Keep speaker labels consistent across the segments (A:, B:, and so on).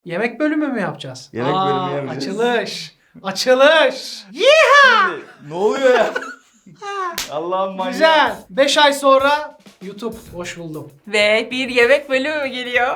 A: Yemek bölümü mü yapacağız?
B: Yemek bölümü yapacağız.
A: Açılış. Açılış.
B: Şimdi, ne oluyor ya? Allah'ım manyak.
A: Güzel. 5 ay sonra YouTube. Hoş buldum.
C: Ve bir yemek bölümü geliyor.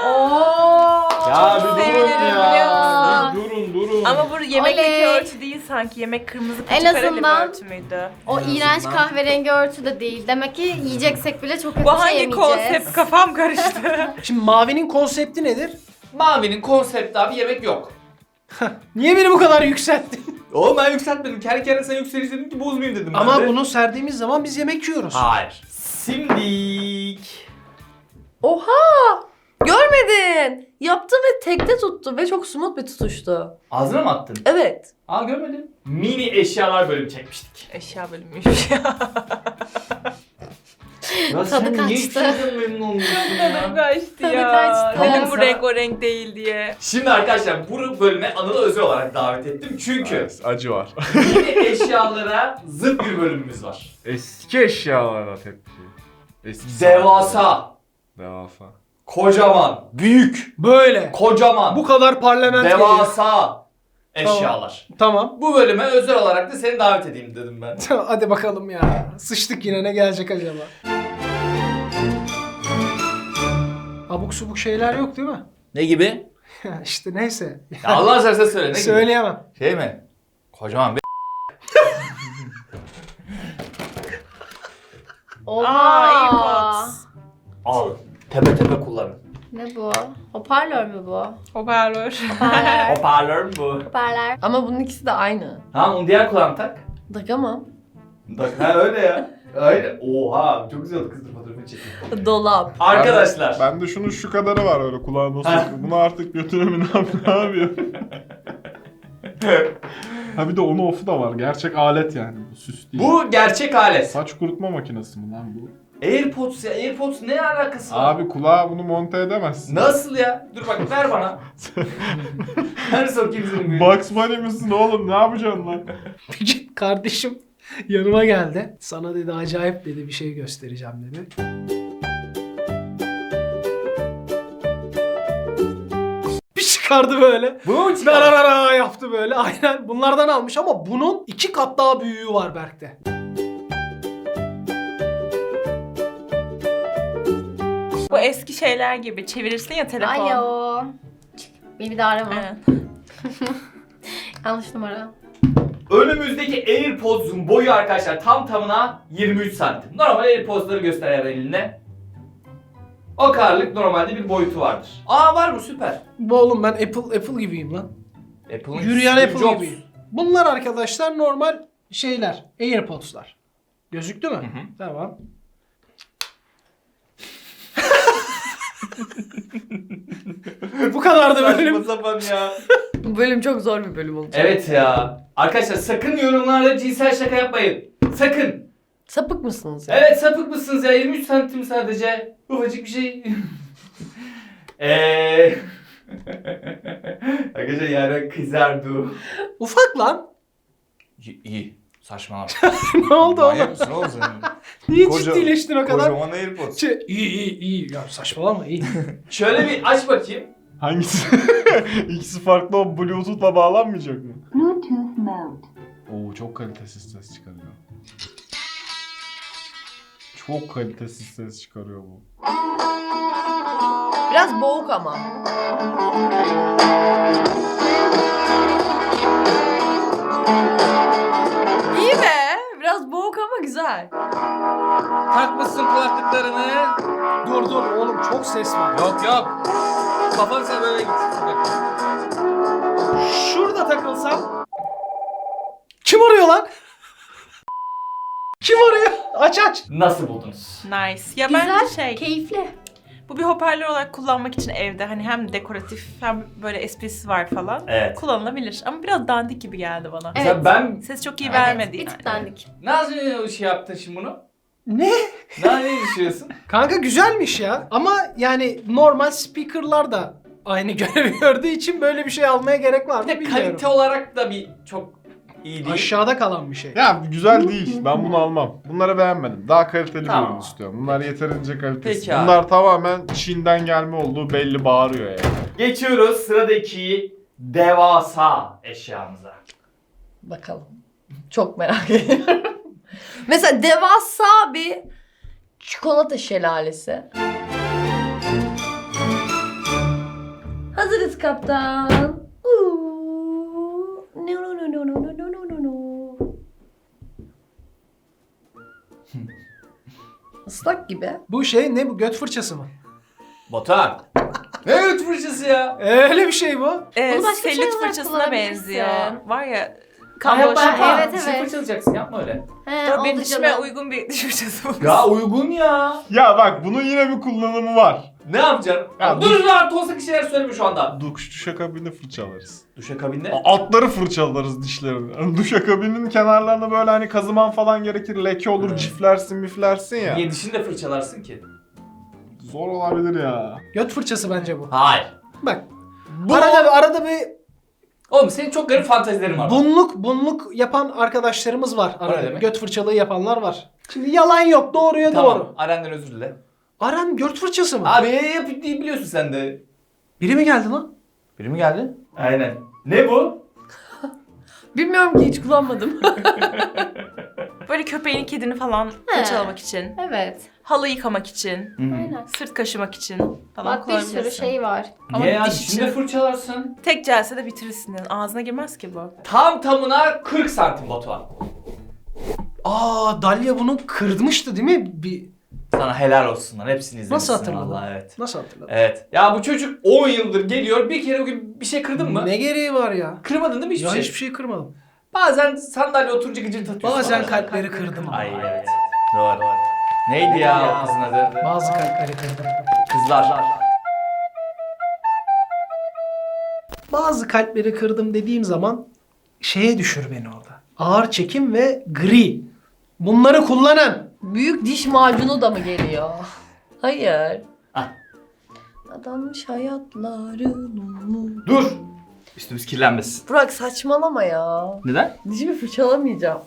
B: Ya
C: Çok
B: bir durun
C: sevinirim, biliyor
B: ya.
C: musun?
B: Bir durun.
C: Ama bu yemekteki
D: Oley.
C: örtü değil sanki. Yemek kırmızı
D: En
C: paça kareli bir
D: azından-
C: örtü müydü?
D: O
A: En
D: iğrenç
A: azından.
D: kahverengi örtü de değil. Demek ki yiyeceksek bile çok kötü
C: Bu
D: bir şey
C: hangi
D: yemeyeceğiz.
C: konsept? Kafam karıştı.
A: Şimdi Mavi'nin konsepti nedir?
E: Mavi'nin konsepti abi yemek yok.
A: Niye beni bu kadar yükselttin?
E: Oğlum ben yükseltmedim. Kendi kendine sen yükseliş dedim ki bozmayayım dedim ben
A: Ama
E: de.
A: bunu serdiğimiz zaman biz yemek yiyoruz.
E: Hayır. Simdik.
F: Oha! Görmedin. Yaptı ve tekte tuttu ve çok smooth bir tutuştu.
E: Ağzına mı attın?
F: Evet.
E: Aa görmedim. Mini eşyalar bölümü çekmiştik.
C: Eşya bölümüymüş ya.
E: Ya
D: Tadı
E: sen niye
D: kaçtı.
E: şeyden memnun olmuyorsun
C: Tadım
E: ya?
C: kaçtı
D: Tadı
C: ya.
D: kaçtı.
C: Dedim bu
E: Sana-
C: renk o renk değil diye.
E: Şimdi arkadaşlar bu bölüme Anıl'ı özel olarak davet ettim. Çünkü
B: Evet, acı var.
E: mini eşyalara zıt bir bölümümüz var.
B: Eski eşyalara tepki. Eski
E: Devasa,
B: Devasa.
E: kocaman, büyük,
A: Böyle.
E: kocaman,
A: Bu kadar parlament geliyor.
E: devasa eşyalar.
A: Tamam.
E: Bu bölüme özel olarak da seni davet edeyim dedim ben.
A: Hadi bakalım ya. Sıçtık yine, ne gelecek acaba? Abuk subuk şeyler yok değil mi?
E: Ne gibi?
A: İşte neyse.
E: Ya Allah seversen söyle ne gibi?
A: Söyleyemem.
E: Şey mi? Kocaman bir
D: Oha!
C: AirPods.
E: al. Tepe tepe kullanın.
D: Ne bu? Hoparlör mü bu?
C: Hoparlör.
D: Hoparlör.
E: Hoparlör mü bu?
D: Hoparlör.
F: Ama bunun ikisi de aynı.
E: Tamam onu diğer kulağına tak.
F: Takamam.
E: Tak ha öyle ya. Öyle. Oha çok güzel oldu kızdır fotoğrafını çekeyim.
F: Dolap.
E: Arkadaşlar.
B: Bende şunun şu kadarı var öyle kulağıma
E: Ha.
B: sokuyor. Bunu artık götürümü ne yapıyor? Ha bir de onu off'u da var. Gerçek alet yani bu, süs değil.
E: Bu gerçek alet.
B: Saç kurutma makinesi mi lan bu?
E: AirPods ya. AirPods ne alakası var?
B: Abi kulağa bunu monte edemezsin.
E: Nasıl ya? Dur bak ver bana. Her sokayım senin
B: Bugs Bunny misin oğlum, ne yapacaksın lan?
A: Bir gün kardeşim yanıma geldi. Sana dedi acayip dedi bir şey göstereceğim dedi. Bir çıkardı böyle.
E: Bu mu çıkar?
A: Dararara yaptı böyle. Aynen bunlardan almış ama bunun 2 kat daha büyüğü var Berk'te.
C: Bu eski şeyler gibi çevirirsin ya telefon.
D: Alo. Beni bir daha arama.
C: Aynen.
D: Yanlış numara.
E: Önümüzdeki AirPods'un boyu arkadaşlar tam tamına 23 santim. Normal AirPods'ları göster eğer eline. O kadarlık normalde bir boyutu vardır. Aa var mı süper.
A: Bu oğlum ben Apple gibiyim lan.
E: Apple'ın
A: Yürüyen
E: Steve
A: Apple
E: Jobs.
A: gibiyim. Bunlar arkadaşlar normal şeyler. AirPods'lar. Gözüktü mü? Tamam. Bu kadar da
E: Saçma
A: bölüm.
E: sapan ya.
F: Bu bölüm çok zor bir bölüm olacak.
E: Evet ya. Arkadaşlar sakın yorumlarda cinsel şaka yapmayın. Sakın.
F: Sapık mısınız ya?
E: Evet sapık mısınız ya? 23 santim sadece. Ufacık bir şey. Arkadaşlar yani kızardı.
A: Ufak lan.
E: İyi. Saçmalama.
A: Ne oldu oğlum?
B: Manyak mısın oğlum sen?
A: Niye
B: Koca-
A: ciddileştin o kadar?
B: Kocaman AirPods.
A: İyi. Ya saçmalama iyi.
E: Şöyle bir aç bakayım.
B: Hangisi? İkisi farklı, o Bluetooth'la bağlanmayacak mı?
G: Bluetooth mode.
B: Oo çok kalitesiz ses çıkarıyor. Çok kalitesiz ses çıkarıyor bu.
F: Biraz boğuk ama. İyi be. Biraz boğuk ama güzel.
E: Takmışsın kulaklıklarını.
A: Dur oğlum çok ses var.
E: Yok. Kafanı sen böyle git.
A: Şurada takılsam. Kim arıyor lan? Kim arıyor? Aç.
E: Nasıl buldunuz?
C: Nice. Ya
D: Güzel,
C: bence şey,
D: keyifli.
C: bu bir hoparlör olarak kullanmak için evde hani hem dekoratif hem böyle esprisi var falan.
E: Evet.
C: Kullanılabilir ama biraz dandik gibi geldi bana.
D: Evet.
E: Mesela ben
C: Ses çok iyi
D: Evet,
C: vermedi
D: bir
C: yani.
D: tık dandik.
E: nasıl şey yaptın şimdi bunu?
A: Ne?
E: Ne düşünüyorsun?
A: Kanka güzelmiş ya. Ama yani normal speakerlar da aynı görevi gördüğü için böyle bir şey almaya gerek var
E: Bir
A: mı
E: de
A: bilmiyorum.
E: kalite olarak da bir çok iyi değil.
A: Aşağıda kalan bir şey.
B: Ya güzel değil. Ben bunu almam. Bunları beğenmedim. Daha kaliteli
E: Tamam.
B: bir ürün istiyorum. Bunlar yeterince kalitesiz.
E: Peki abi.
B: Bunlar tamamen Çin'den gelme olduğu belli, bağırıyor yani.
E: Geçiyoruz sıradaki devasa eşyamıza.
F: Bakalım. Çok merak ediyorum. Mesela devasa bir çikolata şelalesi. Hazırız kaptan. No no no no no no no no no. Islak gibi.
A: Bu şey ne bu? Göt fırçası mı?
E: Batuhan. Ne göt fırçası ya?
A: Öyle bir şey bu.
D: Bunu başka bir şey
C: Selülit
D: olarak
C: fırçasına
D: kullanabilirsin.
C: benziyor. Var ya.
E: Yapma,
C: Kamboşya
E: yapma.
C: falan.
D: Evet,
E: Dişini
D: evet.
E: fırçalayacaksın, yapma öyle.
D: He,
C: Benim
D: oldu
C: dişime
D: canım.
C: uygun bir diş fırçası bu.
E: Ya uygun ya.
B: Ya bak bunun yine bir kullanımı var.
E: Ne yapacaksın?
B: Ya
E: Dur artı olsa bir şeyler söyleme şu anda.
B: Duşakabini fırçalarız.
E: Duşakabinde.
B: Atları fırçalarız dişlerini. Yani duşakabinin kenarlarına böyle hani kazıman falan gerekir. Leke olur,
E: Evet.
B: ciflersin miflersin ya.
E: Niye dişini de fırçalarsın ki?
B: Zor olabilir ya.
A: Göt fırçası bence bu.
E: Hayır.
A: Bak.
E: Bu...
A: Arada bir
E: Oğlum senin çok garip fantezilerin var.
A: bunluk yapan arkadaşlarımız var.
E: O ne
A: Arada
E: demek?
A: göt fırçalığı yapanlar var. Şimdi yalan yok. Doğruya
E: Tamam.
A: doğru.
E: Aren'den özür dile.
A: Aran göt fırçası mı?
E: Abi yapıp diye biliyorsun sen de.
A: Biri mi geldi lan?
E: Biri mi geldi? Aynen. Ne bu?
F: Bilmiyorum ki hiç kullanmadım.
C: Böyle köpeğini, kedini falan fırçalamak için.
D: Evet.
C: Halı yıkamak için.
D: Aynen.
C: Sırt kaşımak için falan
D: Bak bir sürü
C: kullanabilirsin.
D: şey var.
C: Ama
E: Niye ya?
C: diş
E: Dişini de
C: için
E: fırçalarsın.
C: tek celsede bitirirsin yani. Ağzına girmez ki bu.
E: Tam tamına 40 santim Batuhan.
A: Dalia bunu kırmıştı değil mi?
E: Sana helal olsun lan. Hepsini izlemişsin.
A: Nasıl hatırladın?
E: Vallahi evet.
A: Nasıl hatırladın?
E: Evet. Ya bu çocuk 10 yıldır geliyor. Bir kere bugün bir şey kırdın mı?
A: Ne gereği var ya?
E: Kırmadın değil mi hiçbir
A: Ya
E: şey?
A: hiçbir şey kırmadım.
E: Bazen sandalye oturunca gıcırtı atıyorsun.
A: Bazen
E: bana.
A: kalpleri kırdım.
E: Ay evet. Doğru. Neydi ya o kızın adı?
A: Bazı kalpleri kırdım.
E: Kızlar.
A: Bazı kalpleri kırdım dediğim zaman şeye düşür beni orada. Ağır çekim ve gri. Bunları kullanan.
F: Büyük diş macunu da mı geliyor? Hayır.
E: Ah.
F: Adanmış hayatların.
E: Dur. Üstümüz kirlenmesin.
F: Burak saçmalama ya.
E: Neden?
F: Dişimi fırçalamayacağım.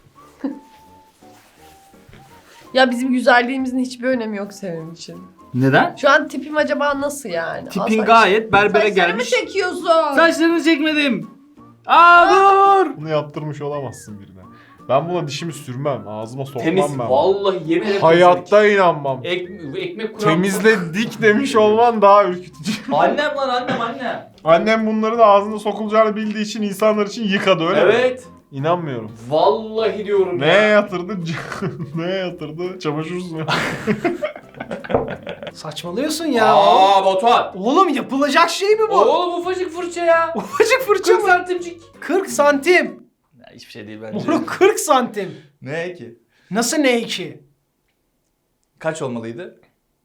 F: Ya bizim güzelliğimizin hiçbir önemi yok senin için.
E: Neden?
F: Şu an tipim acaba nasıl yani?
E: Tipin
F: Al
E: gayet berbere
F: saçlarımı
E: gelmiş.
F: çekiyorsun.
E: Saçlarını çekmedim. Aa dur.
B: Bunu yaptırmış olamazsın birine. Ben buna dişimi sürmem. Ağzıma sokmam
E: Temiz.
B: ben.
E: Vallahi yemin ederim.
B: Hayatta inanmam.
E: Ekmek kuran.
B: Temizledik demiş olman daha ürkütücü.
E: Annem lan annem.
B: Annem bunların ağzına sokulacağını bildiği için insanlar için yıkadı öyle mi?
E: Evet.
B: İnanmıyorum.
E: Vallahi diyorum
B: Neye
E: ya.
B: yatırdı? Neye yatırdı? Çamaşır suyu.
A: Saçmalıyorsun ya.
E: Aa Batuhan.
A: Oğlum yapılacak şey mi bu?
E: Oğlum ufacık fırça ya.
A: Ufacık fırça
E: 40
A: mı?
E: santimcik.
A: 40 santim.
E: Ya hiçbir şey değil bence.
A: Moruk 40 santim.
E: Ne ki?
A: Nasıl ne ki?
E: Kaç olmalıydı?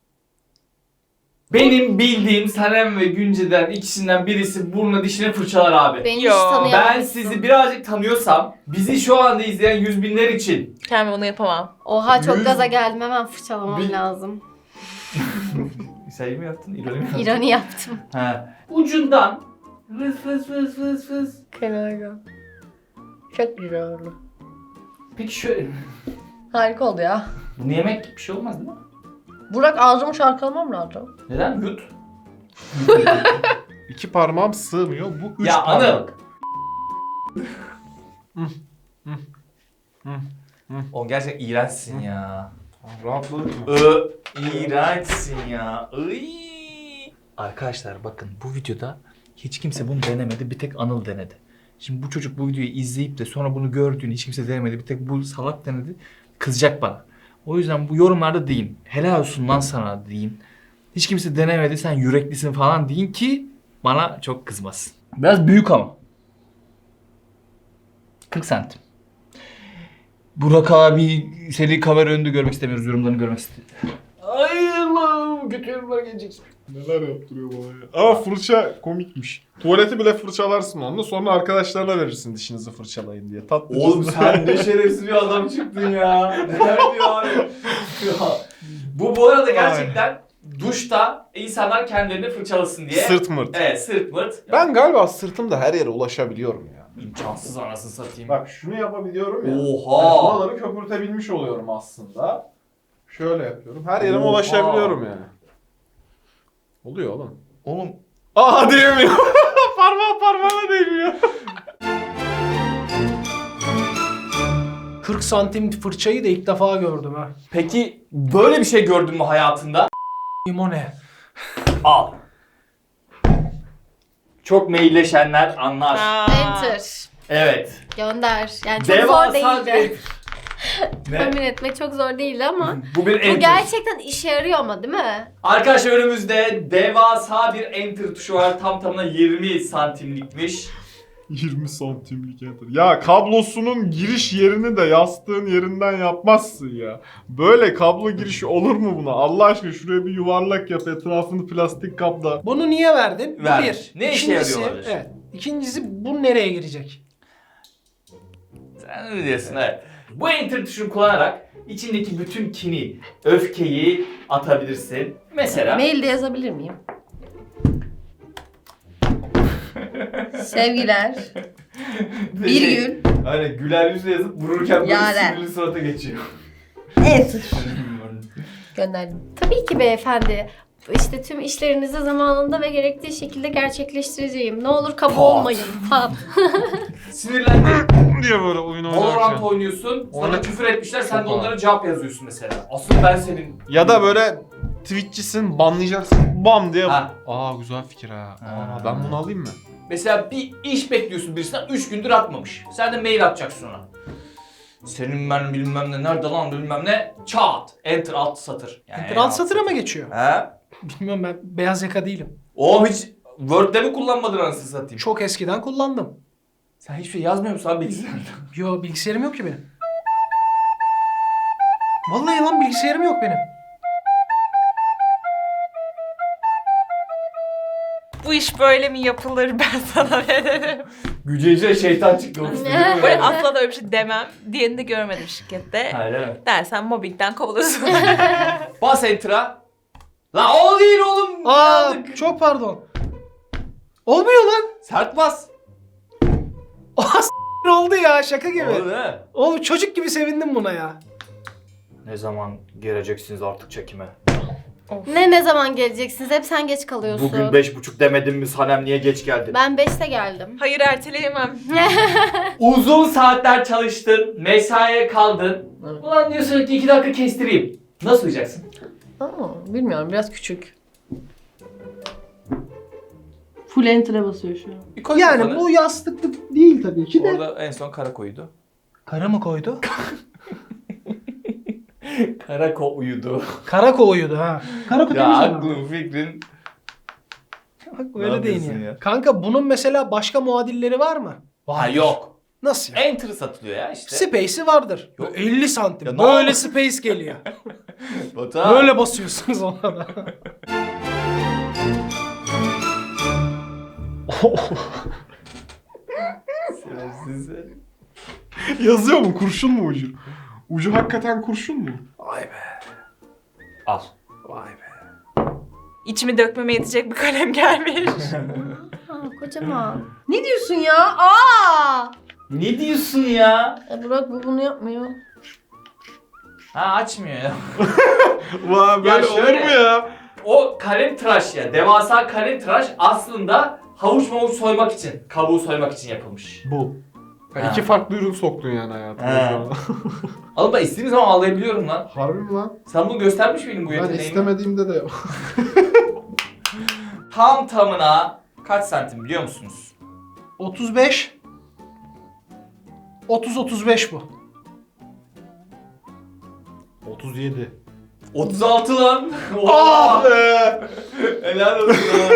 E: Benim bildiğim Sanem ve Günce'den ikisinden birisi burnuna dişini fırçalar abi.
D: Beni hiç
C: Yo,
D: tanıyamamışsın.
E: Ben sizi birazcık tanıyorsam, bizi şu anda izleyen yüz binler için
C: Kendim onu yapamam.
D: Oha çok
E: Yüz-
D: gaza geldim, hemen fırçalamam
E: Bir-
D: lazım.
E: Sayı mı yaptın? İroni mi yaptın?
D: İroni yaptım.
E: Ha. Ucundan fıs fıs fıs fıs fıs.
F: Kenarda. Çok güzel oldu.
E: Peki şöyle,
F: Harika oldu ya.
E: bunu yemek bir şey olmaz değil mi?
F: Burak ağzımı şarkılamam lazım.
E: Neden? Yut.
B: 2 parmağım sığmıyor. Bu 3
E: Ya
B: parmak.
E: Anıl. O gerçekten iğrençsin ya.
B: Rahatladık mı?
E: İğrençsin ya. Iy. Arkadaşlar bakın bu videoda hiç kimse bunu denemedi. Bir tek Anıl denedi. Şimdi bu çocuk bu videoyu izleyip de sonra bunu gördüğünü hiç kimse denemedi. Bir tek bu salak denedi. Kızacak bana. O yüzden bu yorumlarda deyin. Helal olsun lan sana deyin. Hiç kimse denemedi sen yüreklisin falan deyin ki bana çok kızmasın. Biraz büyük ama. 40 santim. Burak abi seni kamera önünde görmek istemiyoruz. Yorumlarını görmek istiyoruz. Ay Allah'ım kötü yorumlar gelecek.
B: Neler yaptırıyor bana ya. Ama fırça komikmiş. Tuvaleti bile fırçalarsın onunla, sonra arkadaşlarına verirsin dişinizi fırçalayın diye. Tatlı.
E: Oğlum sen ne şerefsiz bir adam çıktın ya. Neler diyor abi. Ya. Bu arada gerçekten duşta insanlar kendilerini fırçalasın diye.
B: Sırt mırt.
E: Evet sırt mırt.
B: Ben galiba sırtımda her yere ulaşabiliyorum ya.
E: İmkansız anasını satayım.
B: Bak şunu yapabiliyorum ya.
E: Oha.
B: Buraları köpürtebilmiş oluyorum aslında. Şöyle yapıyorum. Her yerime
E: Oha.
B: ulaşabiliyorum yani. Oluyor oğlum.
E: Oğlum
B: Aa diyemiyor. Parmağına değmiyor.
A: 40 santim fırçayı da ilk defa gördüm ha.
E: Peki böyle bir şey gördün mü hayatında?
A: Limone.
E: Al. Çok mailleşenler anlar.
D: Enter.
E: Evet.
D: Gönder. Yani çok zor
E: Devasa
D: değildi.
E: bir...
D: Tahmin
E: Ne?
D: etmek çok zor değildi ama.
E: Bu bir
D: Bu
E: enter.
D: gerçekten işe yarıyor ama değil mi?
E: Arkadaşlar önümüzde devasa bir enter tuşu var. Tam tamına 20 santimlikmiş.
B: 20 santimlik enter. Ya kablosunun giriş yerini de yastığın yerinden yapmazsın ya. Böyle kablo girişi olur mu buna? Allah aşkına şuraya bir yuvarlak yap, etrafını plastik kapla.
A: Bunu niye verdin? Bu
E: Vermiş.
A: bir.
E: Ne işe
A: İkincisi-
E: yarıyor olabilir?
A: Evet. İkincisi bu nereye girecek?
E: Sen öyle diyorsun evet. Bu enter tuşunu kullanarak içindeki bütün kini, öfkeyi atabilirsin. Mesela
F: Mailde yazabilir miyim? Sevgiler. Bir gün.
E: Aynen güler yüzle yazıp vururken böyle
F: Yaren.
E: sinirli surata geçiyor.
F: Enter. Gönderdim.
D: Tabii ki beyefendi. İşte tüm işlerinizi zamanında ve gerektiği şekilde gerçekleştireceğim. Ne olur kaba olmayın. Tamam.
E: Sinirlendi.
B: diye böyle oyun
E: Valorant
B: oynarken.
E: oynuyorsun. Sana
B: Oyna-
E: küfür etmişler. Sen de
B: Çok
E: onlara cevap yazıyorsun mesela. Asıl ben senin...
B: Ya da böyle Twitch'çisin, banlayacaksın. Bam diye.
E: Ha.
B: Aa güzel fikir ha.
E: Ha.
B: Aa, ben bunu alayım mı?
E: Mesela bir iş bekliyorsun birisinden 3 gündür atmamış. Sen de mail atacaksın ona. Senin ben bilmem ne nerede lan bilmem ne çat. Enter alt satır. Yani
A: Enter alt satıra mı geçiyor?
E: He?
A: Bilmiyorum, ben beyaz yaka değilim.
E: Oğlum hiç Word'de mi kullanmadın anasını satayım?
A: Çok eskiden kullandım.
E: Sen hiçbir şey yazmıyor musun abi bilgisayarda?
A: Yo, bilgisayarım yok ki benim. Vallahi lan bilgisayarım yok benim.
C: Bu iş böyle mi yapılır, ben sana veririm.
E: Gücece şeytan çıktı ofiste değil mi?
C: Böyle asla da öyle bir şey demem. Diğerini de görmedim şirkette.
E: Hayır evet.
C: Dersen mobbingden kovulursun.
E: Bas enter'a. Lan o değil oğlum.
A: Aa,
E: Yandık.
A: çok pardon. Olmuyor lan.
E: Sert bas.
A: Aa, s*** oldu ya, şaka gibi.
E: Oldu değil mi?
A: Oğlum çocuk gibi sevindim buna ya.
E: Ne zaman geleceksiniz artık çekime?
D: Ne zaman geleceksiniz? Hep sen geç kalıyorsun.
E: Bugün 5.30 demedim mi Sanem niye geç geldin?
D: Ben 5'te geldim.
C: Hayır, erteleyemem.
E: Uzun saatler çalıştın, mesaiye kaldın.
F: Evet.
E: Ulan diyorsun ki 2 dakika kestireyim. Nasıl uyuyacaksın?
F: Aa, bilmiyorum, biraz küçük. Full enter'e basıyor şu an.
E: Bir koy
A: Yani
E: kafanı.
A: bu yastıklık değil tabii ki de.
E: Orada en son kara koydu.
A: Kara mı koydu?
E: Kara uyudu.
A: Kara koyuyordu ha. Kara koydu.
E: Ya aklın fikrin.
A: Bak
E: Ne
A: öyle değil
E: yapıyorsun
A: ya.
E: ya?
A: Kanka bunun mesela başka muadilleri var mı?
E: Ha yok.
A: Nasıl ya?
E: Enter satılıyor ya işte.
A: Space'i vardır.
E: Yok.
A: 50 santim.
E: Ya ne
A: Böyle
E: oldu?
A: space geliyor.
E: Batuhan.
A: Böyle basıyorsunuz ona da.
E: Size.
B: Yazıyor mu? Kurşun mu ucu? Ucu hakikaten kurşun mu?
A: Vay be.
E: Al.
A: Vay be.
C: İçimi dökmeme yetecek bir kalem gelmiş.
D: Aa, kocaman.
F: Ne diyorsun ya? Aa!
E: Ne diyorsun ya?
F: Burak bu bunu yapmıyor.
E: Ha açmıyor ya.
B: Vay böyle olur
E: şöyle.
B: mu ya?
E: O kalem tıraş ya. Devasa kalem tıraş aslında havuç mavuç soymak için, kabuğu soymak için yapılmış.
B: Bu.
E: Ha.
B: İki farklı ürün soktun yani hayatına.
E: Ha.
B: şu an.
E: Oğlum ben istediğim zaman ağlayabiliyorum lan.
B: Harbi mi lan?
E: Sen bunu göstermiş miydin bu
B: Ben
E: yeteneğini?
B: istemediğimde de
E: Tam tamına kaç santim biliyor musunuz?
A: 35. 30-35 bu.
B: 37.
E: 36 lan.
B: Ah be!
E: Helal olsun ha.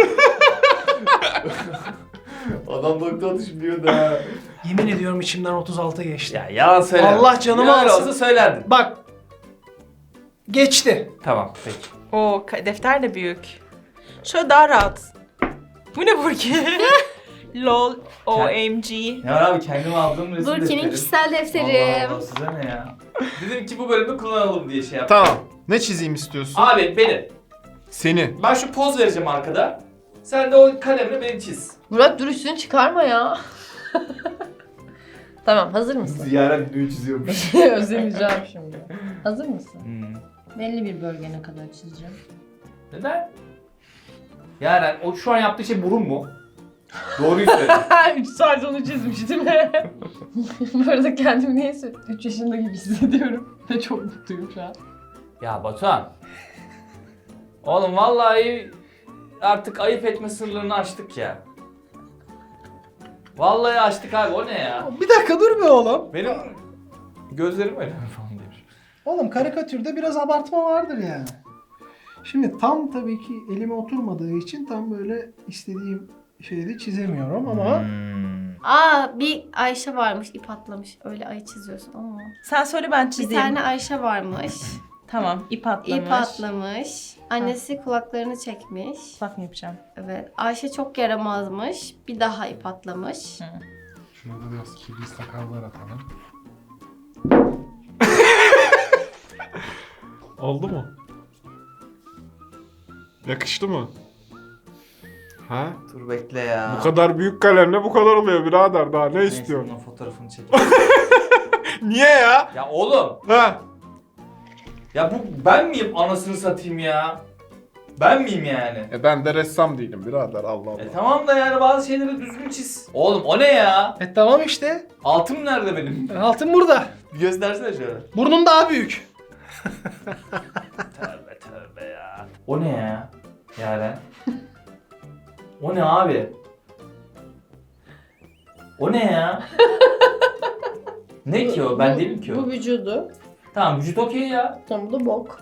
E: Adam nokta atışı biliyor da.
A: Yemin ediyorum içimden 36 geçti.
E: Ya yalan söyleme.
A: Allah canımı
E: Öyle
A: alsın.
E: olsa söylerdin.
A: Bak. Geçti.
E: Tamam peki.
C: O defter de büyük. Şöyle daha rahat. Bu ne Burki? Lol, OMG.
E: Ya abi kendime aldığım resim
D: Burki'nin
E: defterim.
D: kişisel defterim.
E: Allah Allah size ne ya? Dedim ki bu bölümü kullanalım diye şey yaptım.
B: Tamam. Ne çizeyim istiyorsun?
E: Abi beni.
B: Seni.
E: Ben şu poz vereceğim arkada. Sen de o kalemle beni çiz.
F: Burak dur üstünü çıkarma ya. Tamam, hazır mısın?
E: Yaren videoyu çiziyormuş.
F: Özlemeyeceğim şimdi. Hazır mısın?
E: Hmm.
F: Belli bir bölgene kadar çizeceğim.
E: Neden? Yaren o şu an yaptığı şey burun mu? Doğruyu söyle.
F: 3 saat onu çizmiştim. Bu arada kendimi neyse 3 yaşında gibi hissediyorum. Ve çok mutluyum şu an.
E: Ya Batuhan. Oğlum vallahi artık ayıp etme sınırlarını aştık ya. Vallahi aştık abi, o ne ya?
A: Bir dakika dur be oğlum.
E: Benim gözlerim öyle mi falan demiş.
A: Oğlum karikatürde biraz abartma vardır yani. Şimdi tam tabii ki elime oturmadığı için tam böyle istediğim şeyi çizemiyorum ama
D: Aa bir Ayşe varmış ip atlamış. Öyle ayı çiziyorsun ama.
C: Sen söyle ben
D: Bir
C: çizeyim.
D: tane Ayşe varmış.
C: Tamam, ip atlamış.
D: İp atlamış. Annesi kulaklarını çekmiş.
C: Bak mı yapacağım?
D: Evet. Ayşe çok yaramazmış. Bir daha ip atlamış.
B: Şuna da biraz kirli sakallar atalım. Oldu mu? Yakıştı mı? Ha?
E: Dur bekle ya.
B: Bu kadar büyük kalemle bu kadar oluyor birader, daha ne
E: Neyse,
B: istiyorsun?
E: bunun fotoğrafını çek.
B: Niye ya?
E: Ya oğlum.
B: Ha?
E: Ya bu ben miyim anasını satayım ya? Ben miyim yani?
B: Ben de ressam değilim birader, Allah Allah.
E: Tamam da yani bazı şeyleri düzgün çiz. Oğlum o ne ya?
A: tamam işte.
E: Altım nerede benim?
A: Altın burada.
E: Bir göstersene şöyle.
A: Burnum daha büyük.
E: Tövbe tövbe ya. O ne ya? Yaren. O ne abi? O ne ya? Ne ki o? Ben değilim ki o.
F: Bu vücudu.
E: Tamam vücut okey ya.
F: Tam bu da bok.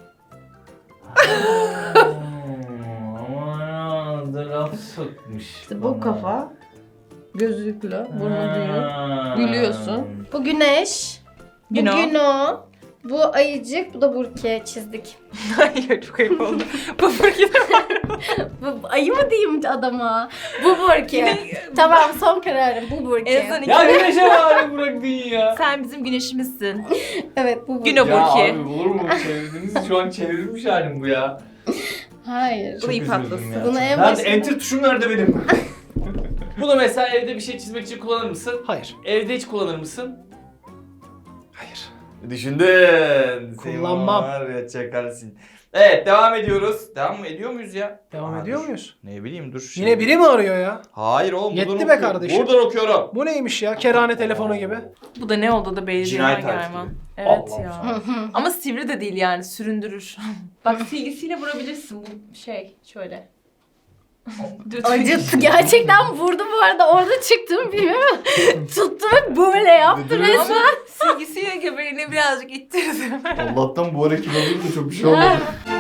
E: Aman da laf sokmuş.
F: İşte bu kafa. Gözlüklü. Burnu büyük. Gülüyorsun.
D: Bu güneş. Bu
C: Güno.
D: Güno. Bu ayıcık. Bu da Burki çizdik.
C: Hayır, çok ayıp oldu. Bu Burki de
D: Bu ayı mı diyeyim adama? Bu Burki. Tamam son kararım. Bu Burki.
C: en son
E: Ya
C: iki...
E: güneşe bari bırakın ya.
C: Sen bizim güneşimizsin.
D: Evet bu Burki.
C: Güno
E: Ya
C: Burki.
E: abi olur mu? Çevirdiniz, şu an çevrilmiş halim bu ya.
D: Hayır.
C: Bu da ip
E: üzüldüm
C: atlasın.
E: ya.
D: Bunu en
E: Nerede?
D: başında...
E: Enter tuşum nerede benim? Bunu mesela evde bir şey çizmek için kullanır mısın?
A: Hayır.
E: Evde hiç kullanır mısın?
A: Hayır.
E: Düşündün.
A: Kullanmam.
E: Var ya çakalsın. Evet devam ediyoruz. Devam mı ediyor muyuz ya?
A: Devam ediyor muyuz?
E: Ne bileyim dur.
A: Yine biri mi arıyor ya?
E: Hayır oğlum.
A: Yetti
E: buradan
A: be
E: okuyorum.
A: kardeşim.
E: Buradan okuyorum.
A: Bu neymiş ya? Kerane telefonu gibi.
C: Bu da ne oldu da belirliyor
E: Cinayet
C: hangi
E: tarifi.
C: hayvan. Evet
E: Allah
C: ya. Ama sivri de değil yani, süründürür. Bak silgisiyle vurabilirsin bu şey şöyle.
D: Acıttı. Gerçekten vurdu bu arada. Orada çıktım bilmiyorum. Tuttu ve böyle yaptı resmen.
C: Ama silgisiyle göbeğini birazcık ittirdim.
E: Allah'tan bu ara kilo da çok bir şey olmadı.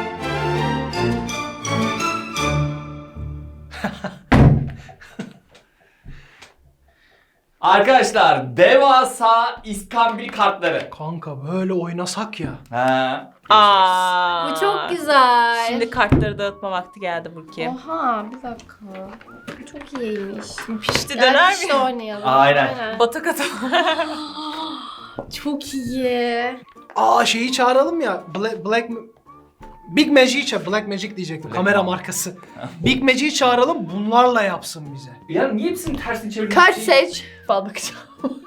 E: Arkadaşlar devasa iskambil kartları.
A: Kanka böyle oynasak ya.
E: Ha.
C: Aa.
D: Bu çok güzel.
C: Şimdi kartları dağıtma vakti geldi Burki.
D: Oha bir dakika. Bu çok iyiymiş.
C: Pişti döner
D: işte
C: mi?
D: oynayalım.
E: Aynen.
C: Batak atalım.
D: Çok iyi.
A: Aa şeyi çağıralım ya. Big Magic'i çağır. Black Magic diyecektim.
E: Black
A: Kamera
E: Magic.
A: markası. Big Magic'i çağıralım. Bunlarla yapsın bize.
E: Ya niye hepsini tersini çevirdin?
F: Kart seç. Bal bakacağım.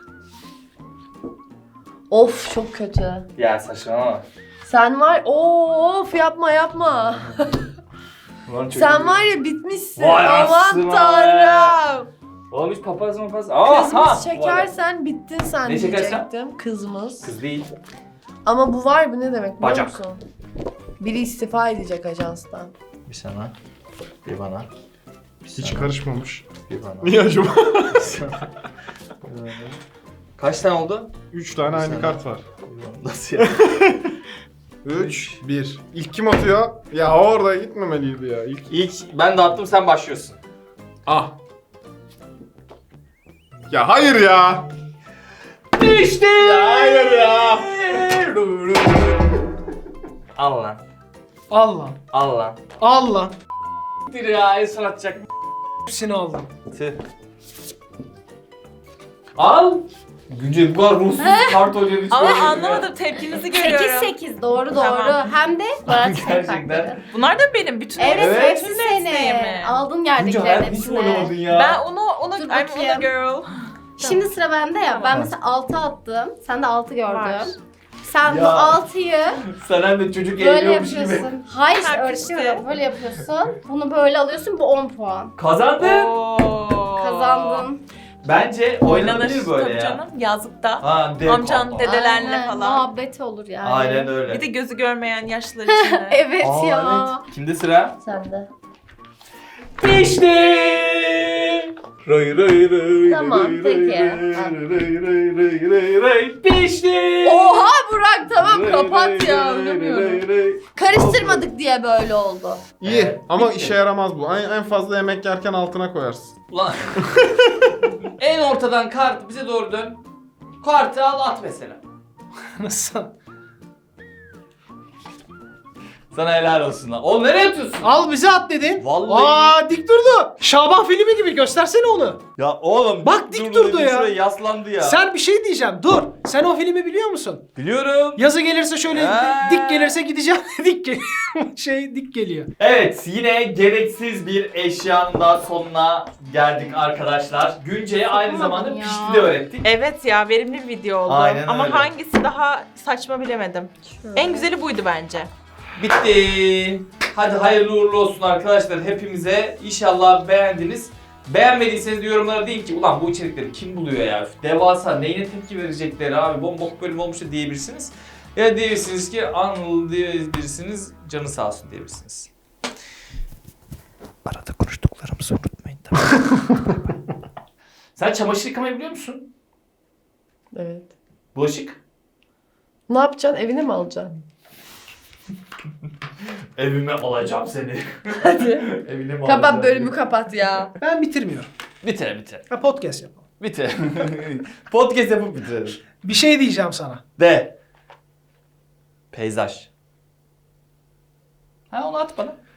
F: Of çok kötü.
E: Ya saçmalama.
F: Sen var of yapma yapma.
E: Ulan çok
F: Sen
E: iyi.
F: var ya bitmişsin.
E: Vay
F: Aman
E: anasını
F: tanrım.
E: Oğlum hiç papaz mapaz. Aha!
F: Kızımız çekersen bittin sen
E: Ne çekersem?
F: diyecektim. Kızımız.
E: Kız değil.
F: Ama bu var bu ne demek biliyor
E: Bacak.
F: musun? Biri istifa edecek ajanstan.
E: Bir sana. Bir bana. Bir
B: Hiç
E: sana,
B: karışmamış.
E: Bir bana.
B: Niye acaba?
E: Bir sana, bir bana. Kaç tane oldu?
B: 3 tane aynı
E: Sana.
B: kart var.
E: Nasıl ya?
B: 3, 1. İlk kim atıyor? Ya orada gitmemeliydi ya.
E: İlk ben dağıttım, sen başlıyorsun.
B: Ah. Ya hayır ya.
E: İşte. Hayır ya. Al lan.
A: Al lan.
E: Al lan.
A: Al lan.
E: Bir ya en son atacak.
A: Hepsini aldım.
E: Tüh. Al. Günce bu kadar ruhsuz kart oynayan hiç
C: Ama
E: görmedim ya.
C: anlamadım, tepkinizi görüyorum.
D: 8-8 doğru doğru.
C: Tamam.
D: Hem de Murat
E: Gerçekten.
C: Bunlar da benim. Bütün
D: Evet,
E: Evet.
D: hepsi
C: bütün
D: senin.
C: desteğimi.
D: Aldın
E: Günce
D: yerdekilerin
E: hayat hiç mi oynamadın
D: hepsini.
E: ya?
C: Ben onu
D: Dur
C: I'm
D: bakayım.
C: a girl.
D: Şimdi sıra bende ya. Ben
C: Tamam.
D: mesela 6 attım. Sen de 6 gördün.
C: Var.
D: Sen bu
E: Ya.
D: 6'yı
E: Sen hem de çocuk
D: böyle
E: eğleniyormuş gibi.
D: yapıyorsun. Hayır işte
C: Kalp işte.
D: öğretiyorum. Böyle yapıyorsun. Bunu böyle alıyorsun. Bu 10 puan.
E: Kazandın.
C: Oo.
D: Kazandın.
E: Bence oynanabilir böyle
C: Tabii
E: ya.
C: canım yazlıkta.
E: Ha,
C: Amcan, dedelerle
D: Aynen,
C: falan.
D: muhabbet olur yani.
E: Aynen öyle.
C: Bir de gözü görmeyen yaşlılar için de.
D: Evet
E: Aa,
D: ya.
E: evet. Kimde sıra?
D: Sende.
E: Pişti. Ray ray ray.
D: Tamam,
E: ray,
D: peki.
E: ray, ray, ray, ray, ray, ray. Pişti.
D: Oha Burak tamam
E: Ray,
D: kapat
E: ray,
D: ya.
E: ray,
D: Oynamıyorum.
E: ray, ray.
D: Karıştırmadık diye böyle oldu.
B: İyi
E: Evet,
B: ama
E: bitti.
B: işe yaramaz bu. En fazla yemek yerken altına koyarsın.
E: Ulan. En ortadan kart bize doğru dön. Kartı al at mesela.
A: Nasıl?
E: Sana helal olsun lan. Oğlum nereye atıyorsun?
A: Al bize at dedin.
E: Vallahi.
A: Aa dik durdu. Şaban filmi gibi göstersene onu.
E: Ya oğlum.
A: Bak dik durdu
E: dedi,
A: ya.
E: şuraya yaslandı ya.
A: Sen bir şey diyeceğim. Dur. Sen o filmi biliyor musun?
E: Biliyorum.
A: Yazı gelirse şöyle
E: Ha.
A: dik gelirse gideceğim. dik geliyor.
E: Evet yine gereksiz bir eşyanın da sonuna geldik arkadaşlar. Günce'ye aynı zamanda
D: ya.
E: pişti de öğrettik.
C: Evet ya verimli bir video oldu.
E: Aynen
C: Ama
E: öyle.
C: hangisi daha saçma bilemedim. En güzeli buydu bence.
E: Bitti. Hadi hayırlı uğurlu olsun arkadaşlar hepimize. İnşallah beğendiniz. Beğenmediyseniz de yorumlara deyin ki ulan bu içerikleri kim buluyor ya? Devasa neyine tepki verecekleri abi bombok bölüm olmuş da diyebilirsiniz. Ya diyebilirsiniz ki Anıl diyebilirsiniz canı sağ olsun diyebilirsiniz. Arada konuştuklarımızı unutmayın tamam. Sen çamaşır yıkamayı biliyor musun?
F: Evet.
E: Bulaşık?
F: Ne yapacaksın? Evine mi alacaksın?
E: Evime alacağım seni.
F: Hadi.
E: Evine mi
F: Kapat
E: alacağım
F: bölümü
E: diye.
F: kapat ya.
A: Ben bitirmiyorum.
E: Bitir.
A: Ha podcast yapalım.
E: Bitir. Podcast yapıp bitirelim.
A: Bir şey diyeceğim sana.
E: De. Peyzaj. Ha onu at bana.